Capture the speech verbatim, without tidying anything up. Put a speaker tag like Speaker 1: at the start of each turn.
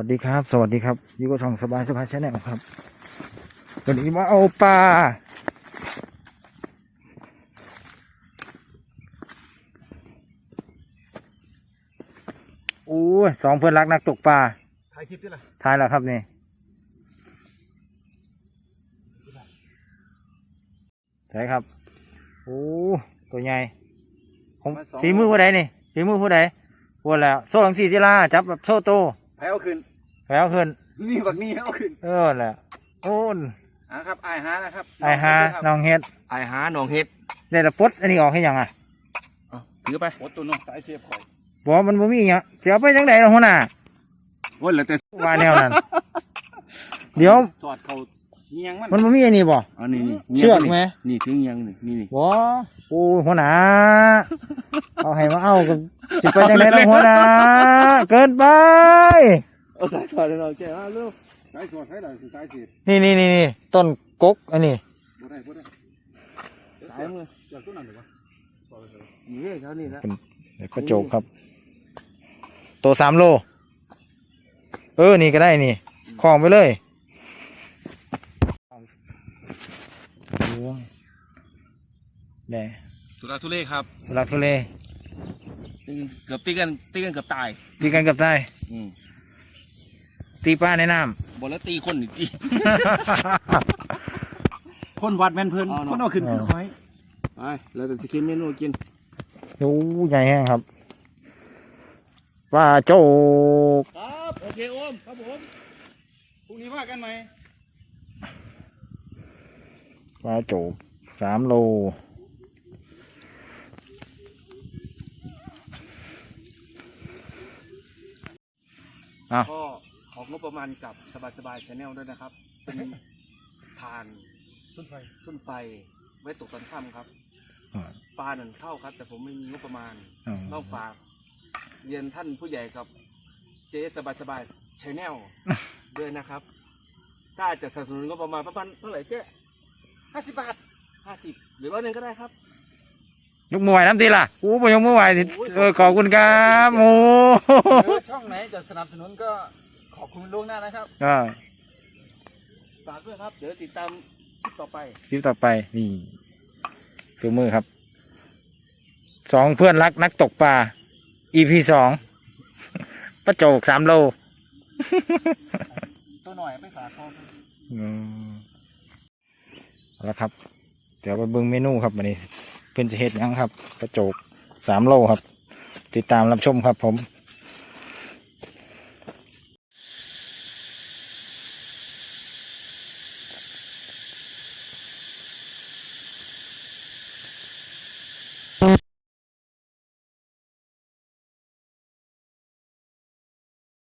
Speaker 1: วัสดีครับสวัสดีครับอยู่กับช่องสบายสบายชาแนลครับวันนี้มาเอาปลาโอ้ยสองเพื่อนรักนักตกปลา
Speaker 2: ถ่ายคลิปดิล่ะ
Speaker 1: ถ่ายแล้วครับนี่ใช่ครับโอ้ตัวใหญ่ผมฝีมือผู้ใดนี่ฝีมือผู้ใดพูดแล้วโซ่หลังสีจิลาจับแบบโซ่โต
Speaker 2: แพ้เอาขึ้น
Speaker 1: แพ้เอาขึ้น
Speaker 2: นี่บักนี่เอาขึ้น
Speaker 1: เออแหละโอ้น
Speaker 2: อ่ะครับไอฮานะครับ
Speaker 1: ไอฮาน้องเฮ็ด
Speaker 2: ไอฮาน้องเฮ็ด
Speaker 1: ได้ละปดอันนี้ออกให้ยังอ่ะ
Speaker 2: ถือไปปดตัวน้องสายเสียบข่อย
Speaker 1: บอกมันบ่มีอย่างเสียไปจังไดล่ะหัวหน้า
Speaker 2: โอ้ยแล้วแต่
Speaker 1: ว่าแนวนั้นเดี๋ยว
Speaker 2: จอดเขาเงียงมัน
Speaker 1: มันบ่มีอันนี้บ่
Speaker 2: อ๋อนี่นี่
Speaker 1: เชือกไหม
Speaker 2: นี่ถึงเงียงนี่นี่นี่
Speaker 1: บ่โอ้หัวหน้าเอาให้มาเอากับสิไปจังไดล่ะหัวหน้าเกินไป
Speaker 2: เอาสายสอดให้เราแกอ่ะเร็วสายสอดให้เราสายสี
Speaker 1: นี่นี่นี่นี่ต้นกกอันนี้
Speaker 2: บ่ได้บ่ได้สายมือจากต้นนั้นหรือวะนี่เท่านี้นะ
Speaker 1: เป็นกระจกครับตัวสามโลเออนี่ก็ได้นี่คล้องไปเลยแน่
Speaker 2: สุราทุเล่ครับ
Speaker 1: สุราทุเล่
Speaker 2: เกือบตีกันตีกันเกือบตาย
Speaker 1: ตีกันเกือบตายตีปลาในน้
Speaker 2: ำบอลแล้วตีคนอีกทีคนวัดแมนเพลินคนเอาขึ้นคือคอยไปแล้วแต่สกินเมนูกิน
Speaker 1: โอ้ใหญ่แห้งครับปลาโจก
Speaker 2: ครับโอเคโอมครับผมพรุ่งนี้ว่ากันไหม
Speaker 1: ปลาโจกสามโล
Speaker 2: ก็ของงบประมาณกับสบายสบายชาแนลด้วยนะครับเป็นทานทุ่นไฟทุ่นไฟไว้ตกตอนค่ำครับปลาหนึ่งเข้าครับแต่ผมไม่มีงบประมาณต้องฝากเรียนท่านผู้ใหญ่กับเจ๊สบายสบายชาแนลด้วยนะครับถ้าจะสนับสนุนงบประมาณประมาณเท่าไหร่เจ๊ห้าสิบบาทห้าสิบหรือร้อยหนึ่งก็ได้ครับ
Speaker 1: ยกมือไหวน้ำตีล่ะโอ้ยยกมือไหวเออขอบคุณครับโอ้
Speaker 2: ช่องไหนจะสนับสนุนก็ขอบคุณล่วงหน้านะครับฝากด้วยครับเดี๋ยวติดตามคลิปต่อไป
Speaker 1: คลิปต่อไปนี่ซื้อมือครับสองเพื่อนรักนักตกปลา อี พี สองปลาโจกสามโล
Speaker 2: ตัวหน่อยไม่ฝากเขา
Speaker 1: แล้วครับเดี๋ยวไปเบิ่งเมนูครับวันนี้เพื่อนจะเฮ็ดยังครับปลาโจกสามโลครับติดตามรับชมครับผม